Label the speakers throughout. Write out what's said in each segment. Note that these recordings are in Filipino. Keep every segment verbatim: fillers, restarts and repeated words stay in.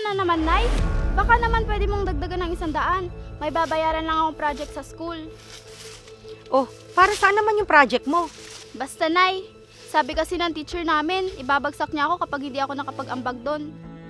Speaker 1: na naman, Nay? Baka naman pwede mong dagdagan ng isang daan. May babayaran lang akong project sa school.
Speaker 2: Oh, para saan naman yung project mo?
Speaker 1: Basta, Nay. Sabi kasi ng teacher namin, ibabagsak niya ako kapag hindi ako nakapag-ambag doon.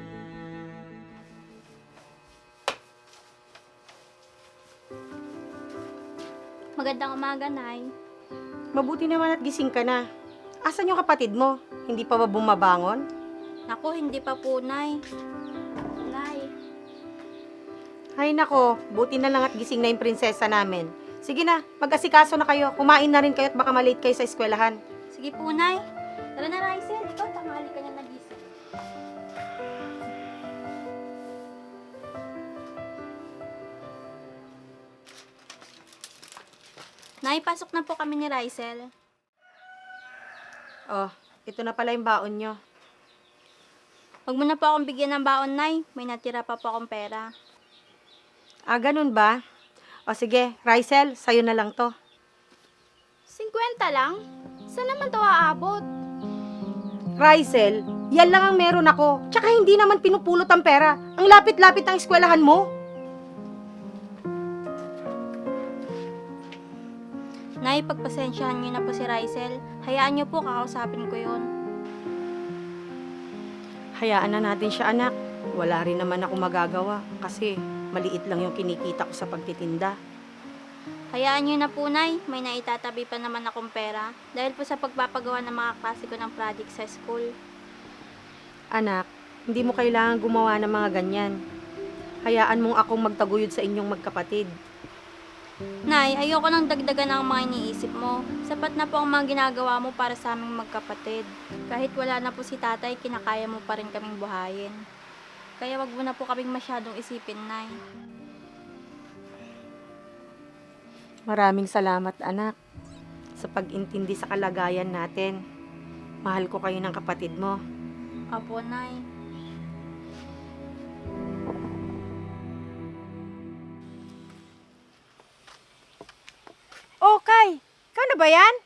Speaker 3: Magandang umaga, Nay.
Speaker 2: Mabuti naman at gising ka na. Asan yung kapatid mo? Hindi pa ba bumabangon?
Speaker 3: Naku, hindi pa po, Nay.
Speaker 1: Nay.
Speaker 2: Ay nako, buti na lang at gising na yung prinsesa namin. Sige na, mag-asikaso na kayo. Kumain na rin kayo at baka malate kayo sa eskwelahan.
Speaker 3: Sige po, Nay. Tara na, Rysel. Ikaw, tanghali ka na nagising. Nay, pasok na po kami ni Rysel.
Speaker 2: Oh, ito na pala yung baon nyo.
Speaker 3: Huwag mo na po akong bigyan ng baon, Nay. May natira pa po akong pera.
Speaker 2: Ah, ganun ba? O sige, Rysel, sa'yo na lang to.
Speaker 1: Sinkwenta lang? Saan naman to aabot?
Speaker 2: Rysel, yan lang ang meron ako. Tsaka hindi naman pinupulot ang pera. Ang lapit-lapit ng eskwelahan mo.
Speaker 3: Nay, pagpasensyahan niyo na po si Rysel. Hayaan niyo po, kakausapin ko yun.
Speaker 2: Hayaan na natin siya, anak. Wala rin naman ako magagawa kasi maliit lang yung kinikita ko sa pagtitinda.
Speaker 3: Hayaan niyo na po, Nay. May naitatabi pa naman akong pera dahil po sa pagpapagawa ng mga klase ko ng project sa school.
Speaker 2: Anak, hindi mo kailangan gumawa ng mga ganyan. Hayaan mong akong magtaguyod sa inyong magkapatid.
Speaker 3: Nay, ayoko nang dagdagan ang mga iniisip mo. Sapat na po ang mga ginagawa mo para sa aming magkapatid. Kahit wala na po si tatay, kinakaya mo pa rin kaming buhayin. Kaya wag mo na po kaming masyadong isipin, Nay.
Speaker 2: Maraming salamat, anak, sa pag-intindi sa kalagayan natin. Mahal ko kayo ng kapatid mo.
Speaker 3: Opo, Nay.
Speaker 4: Oh, Kay! Ikaw na ba yan?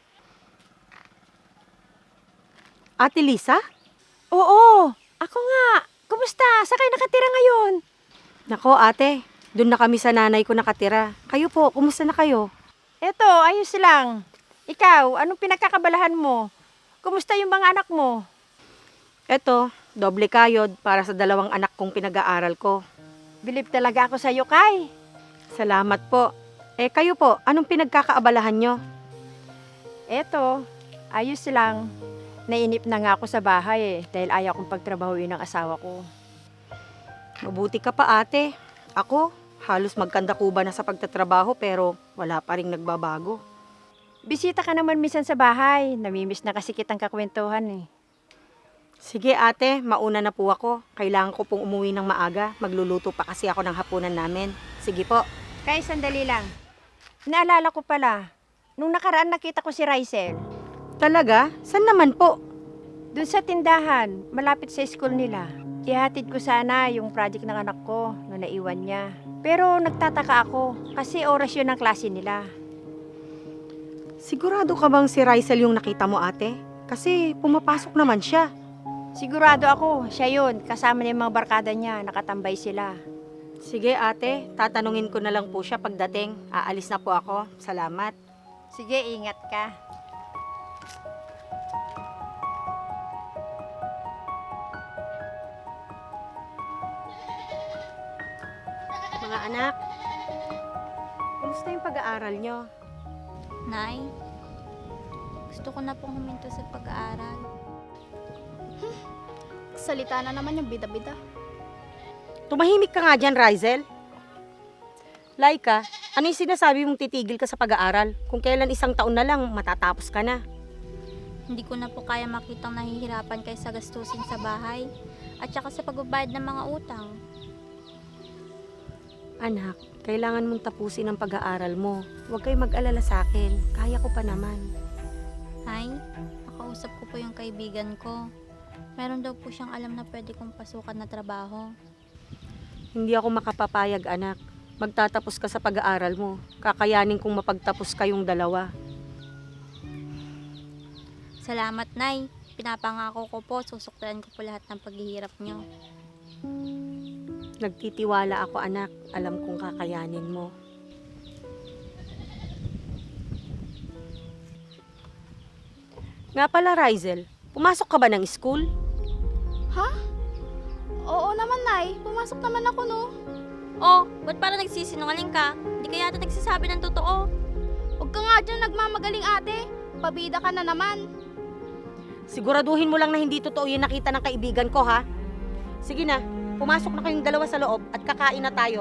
Speaker 2: Ate Lisa?
Speaker 4: Oo, ako nga. Kumusta? Saan kayo nakatira ngayon?
Speaker 2: Nako, ate, doon na kami sa nanay ko nakatira. Kayo po, kumusta na kayo?
Speaker 4: Eto, ayos lang. Ikaw, anong pinagkakabalahan mo? Kumusta yung mga anak mo?
Speaker 2: Eto, doble kayod para sa dalawang anak kong pinag-aaral ko.
Speaker 4: Bilib talaga ako sa'yo, Kay.
Speaker 2: Salamat po. Eh, kayo po, anong pinagkakaabalahan nyo?
Speaker 4: Eto, ayos lang. Nainip na nga ako sa bahay eh, dahil ayaw kong pagtrabahuin ng asawa ko.
Speaker 2: Mabuti ka pa, ate. Ako, halos magkandakuba na sa pagtatrabaho pero wala pa ring nagbabago.
Speaker 4: Bisita ka naman minsan sa bahay. Namimiss na kasi kitang kakwentuhan eh.
Speaker 2: Sige, ate, mauna na po ako. Kailangan ko pong umuwi ng maaga. Magluluto pa kasi ako ng hapunan namin. Sige po.
Speaker 4: Kay, sandali lang. Naalala ko pala, nung nakaraan nakita ko si Rysel.
Speaker 2: Talaga? San naman po?
Speaker 4: Doon sa tindahan, malapit sa school nila. Ihatid ko sana yung project ng anak ko na naiwan niya. Pero nagtataka ako kasi oras yun ng klase nila.
Speaker 2: Sigurado ka bang si Rysel yung nakita mo, ate? Kasi pumapasok naman siya.
Speaker 4: Sigurado ako, siya yun. Kasama niya yung mga barkada niya, nakatambay sila.
Speaker 2: Sige, ate, tatanungin ko na lang po siya pagdating. Aalis na po ako. Salamat.
Speaker 4: Sige, ingat ka.
Speaker 2: Mga anak, kumusta yung pag-aaral nyo?
Speaker 3: Nay, gusto ko na pong huminto sa pag-aaral.
Speaker 1: Salita na naman yung bida-bida.
Speaker 2: Tumahimik ka nga dyan, Rysel. Laika, ano yung sinasabi mong titigil ka sa pag-aaral? Kung kailan isang taon na lang, matatapos ka na.
Speaker 3: Hindi ko na po kaya makitang nahihirapan kayo sa gastusin sa bahay at saka sa pagbabayad ng mga utang.
Speaker 2: Anak, kailangan mong tapusin ang pag-aaral mo. Huwag kayo mag-alala sa akin. Kaya ko pa naman.
Speaker 3: Nay, nakausap ko po yung kaibigan ko. Meron daw po siyang alam na pwede kong pasukan na trabaho.
Speaker 2: Hindi ako makapapayag, anak. Magtatapos ka sa pag-aaral mo. Kakayanin kong mapagtapos kayong dalawa.
Speaker 3: Salamat, Nay. Pinapangako ko po, susuklan ko po lahat ng paghihirap niyo.
Speaker 2: Nagtitiwala ako, anak. Alam kong kakayanin mo. Nga pala, Rizel, pumasok ka ba ng school?
Speaker 1: Ha? Oo naman, Nay. Pumasok naman ako, no?
Speaker 3: Oh, ba't parang nagsisinungaling ka? Hindi ka yata nagsasabi ng totoo.
Speaker 1: Huwag ka nga dyan nagmamagaling, ate. Pabida ka na naman.
Speaker 2: Siguraduhin mo lang na hindi totoo yung nakita ng kaibigan ko, ha? Sige na, pumasok na kayong dalawa sa loob at kakain na tayo.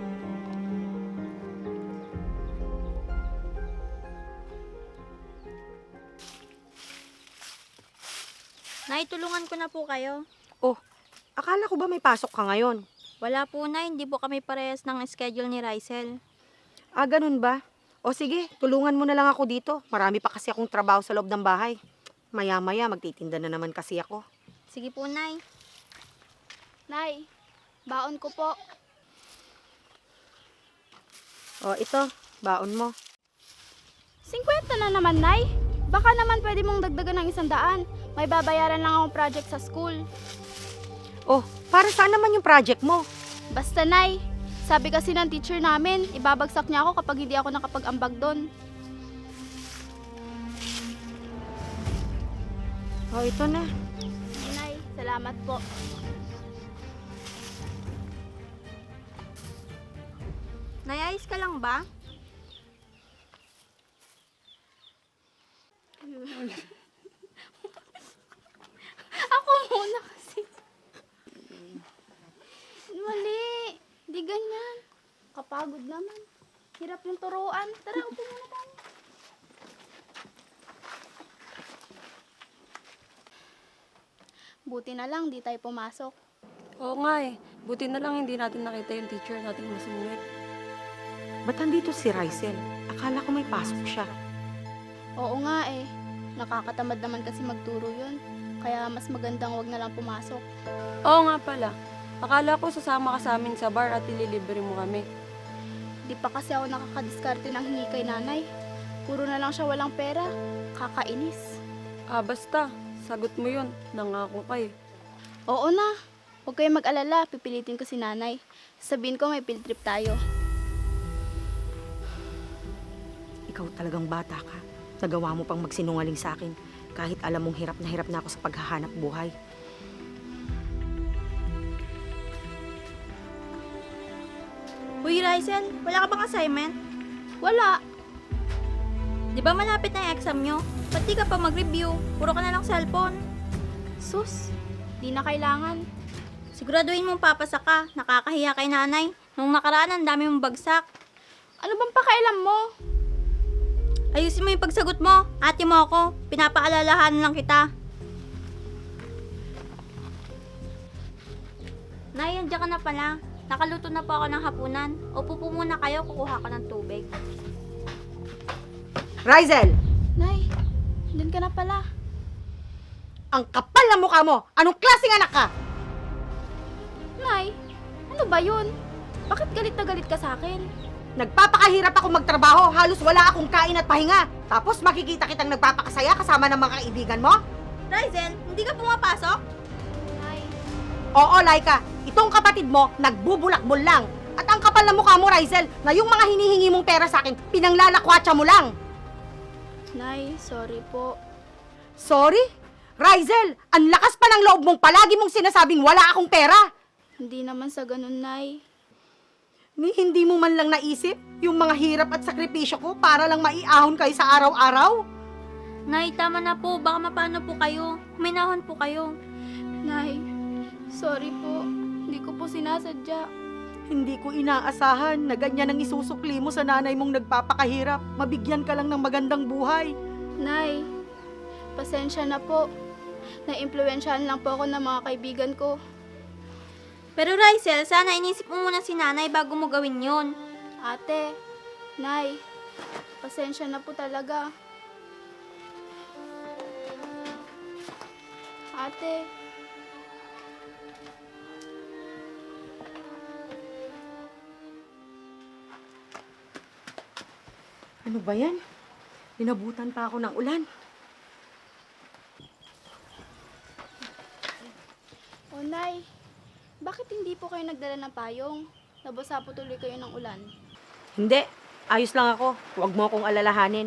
Speaker 3: Nay, tulungan ko na po kayo.
Speaker 2: Oh, akala ko ba may pasok ka ngayon?
Speaker 3: Wala po, Nay. Hindi po kami parehas ng schedule ni Rizel.
Speaker 2: Ah, ganun ba? O sige, tulungan mo na lang ako dito. Marami pa kasi akong trabaho sa loob ng bahay. Maya-maya, magtitinda na naman kasi ako.
Speaker 3: Sige po, Nay.
Speaker 1: Nay, baon ko po.
Speaker 2: O, ito, baon mo.
Speaker 1: Singkwenta na naman, Nay. Baka naman pwede mong dagdagan ng isang daan. May babayaran lang akong project sa school.
Speaker 2: Oh, para saan naman yung project mo?
Speaker 1: Basta, Nay. Sabi kasi ng teacher namin, ibabagsak niya ako kapag hindi ako nakapag-ambag doon.
Speaker 2: Oh, ito na.
Speaker 1: Nay, salamat po.
Speaker 3: Nay, ayos ka lang ba?
Speaker 1: Ako muna kasi. Mali. Di ganyan. Kapagod naman. Hirap yung turuan. Tara, upo muna tayo. Buti na lang, di tayo pumasok.
Speaker 5: Oo nga eh. Buti na lang hindi natin nakita yung teacher nating masungit.
Speaker 2: Ba't nandito si Rizel? Akala ko may pasok siya.
Speaker 1: Oo nga eh. Nakakatamad naman kasi magturo yun. Kaya mas magandang wag na lang pumasok.
Speaker 5: Oo nga pala. Akala ko sasama ka sa amin sa bar at ililibre mo kami.
Speaker 1: Di pa kasi ako nakakadiskarte ng hingi kay nanay. Puro na lang siya walang pera. Kakainis.
Speaker 5: Ah, basta. Sagot mo yun. Nangako ka eh.
Speaker 1: Oo na. Huwag kayong mag-alala. Pipilitin ko si nanay. Sabihin ko may field trip tayo.
Speaker 2: Ikaw talagang bata ka. Nagawa mo pang magsinungaling sa akin. Kahit alam mong hirap na hirap na ako sa paghahanap buhay.
Speaker 3: Uy, Rizel, wala ka bang assignment?
Speaker 1: Wala.
Speaker 3: Di ba malapit na yung exam nyo? Ba't di ka pa mag-review? Puro ka na lang cellphone.
Speaker 1: Sus. Di na kailangan.
Speaker 3: Siguraduhin mong papasa ka. Nakakahiya kay nanay. Nung nakaraan, ang dami mong bagsak.
Speaker 1: Ano bang pakailam mo?
Speaker 3: Ayusin mo yung pagsagot mo. Ate mo ako. Pinapaalalahanan lang kita. Nay, andiyan ka na pala. Nakaluto na po ako ng hapunan. Upo po muna kayo, kukuha ko ng tubig.
Speaker 2: Rizel!
Speaker 1: Nay, dun ka na pala.
Speaker 2: Ang kapal ng mukha mo! Anong klaseng anak ka?
Speaker 1: Nay, ano ba yun? Bakit galit na galit ka sa akin?
Speaker 2: Nagpapakahirap ako magtrabaho. Halos wala akong kain at pahinga. Tapos makikita kitang nagpapakasaya kasama ng mga kaibigan mo?
Speaker 3: Rizel, hindi ka pumapasok?
Speaker 1: Nay,
Speaker 2: Oo, Laika. Itong kapatid mo, nagbubulakbol lang. At ang kapal ng mukha mo, Rizel, na yung mga hinihingi mong pera sa akin, pinanglalakwatsa mo lang.
Speaker 1: Nay, sorry po.
Speaker 2: Sorry? Rizel, ang lakas pa ng loob mong palagi mong sinasabing wala akong pera.
Speaker 1: Hindi naman sa ganun, Nay.
Speaker 2: Ni hindi mo man lang naisip yung mga hirap at sakripisyo ko para lang maiahon kayo sa araw-araw?
Speaker 3: Nay, tama na po. Baka mapano po kayo. Minahon po kayo.
Speaker 1: Nay, sorry po. Hindi ko po sinasadya.
Speaker 2: Hindi ko inaasahan na ganyan ang isusukli mo sa nanay mong nagpapakahirap. Mabigyan ka lang ng magandang buhay.
Speaker 1: Nay, pasensya na po. Na-impluwensyahan lang po ako ng mga kaibigan ko.
Speaker 3: Pero Rizel, sana inisip mo muna si nanay bago mo gawin yun.
Speaker 1: Ate, Nay, pasensya na po talaga. Ate,
Speaker 2: Ano ba yan? Dinabutan pa ako ng ulan.
Speaker 1: o Nay, bakit bakit hindi po kayo nagdala ng payong? Nabasa po tuloy kayo ng ulan.
Speaker 2: Hindi, ayos lang ako. Huwag mo akong alalahanin.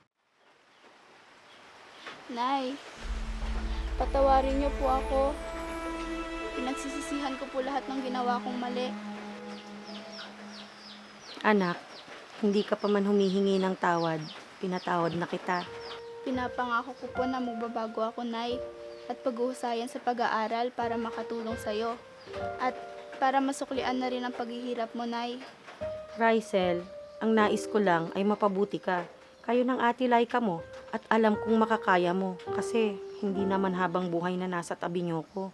Speaker 1: Nay, patawarin niyo po ako. Pinagsisisihan ko po lahat ng ginawa kong mali.
Speaker 2: Anak, hindi ka pa man humihingi ng tawad. Pinatawad na kita.
Speaker 1: Pinapangako ko po na magbabago ako, Nay. At paghuhusayan sa pag-aaral para makatulong sa'yo. At para masuklian na rin ang paghihirap mo, Nay.
Speaker 2: Rysel, ang nais ko lang ay mapabuti ka. Kayo ng ate Laika mo at alam kong makakaya mo kasi hindi naman habang buhay na nasa tabi niyo ko.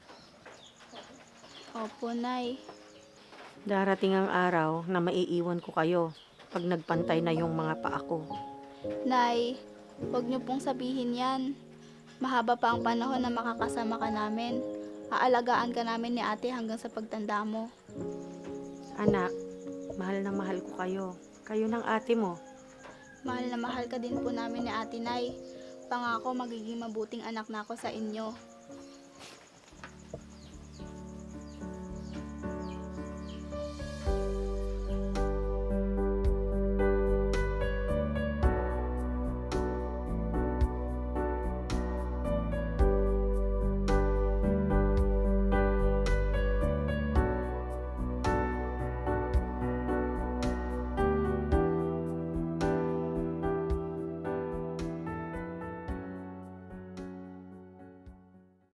Speaker 1: Opo, Nay.
Speaker 2: Darating ang araw na maiiwan ko kayo pag nagpantay na yung mga paa ko.
Speaker 1: Nay, huwag niyo pong sabihin yan. Mahaba pa ang panahon na makakasama ka namin. Aalagaan ka namin ni ate hanggang sa pagtanda mo.
Speaker 2: Anak, mahal na mahal ko kayo. Kayo ng ate mo.
Speaker 1: Mahal na mahal ka din po namin ni ate, Nay. Pangako magiging mabuting anak na ako sa inyo.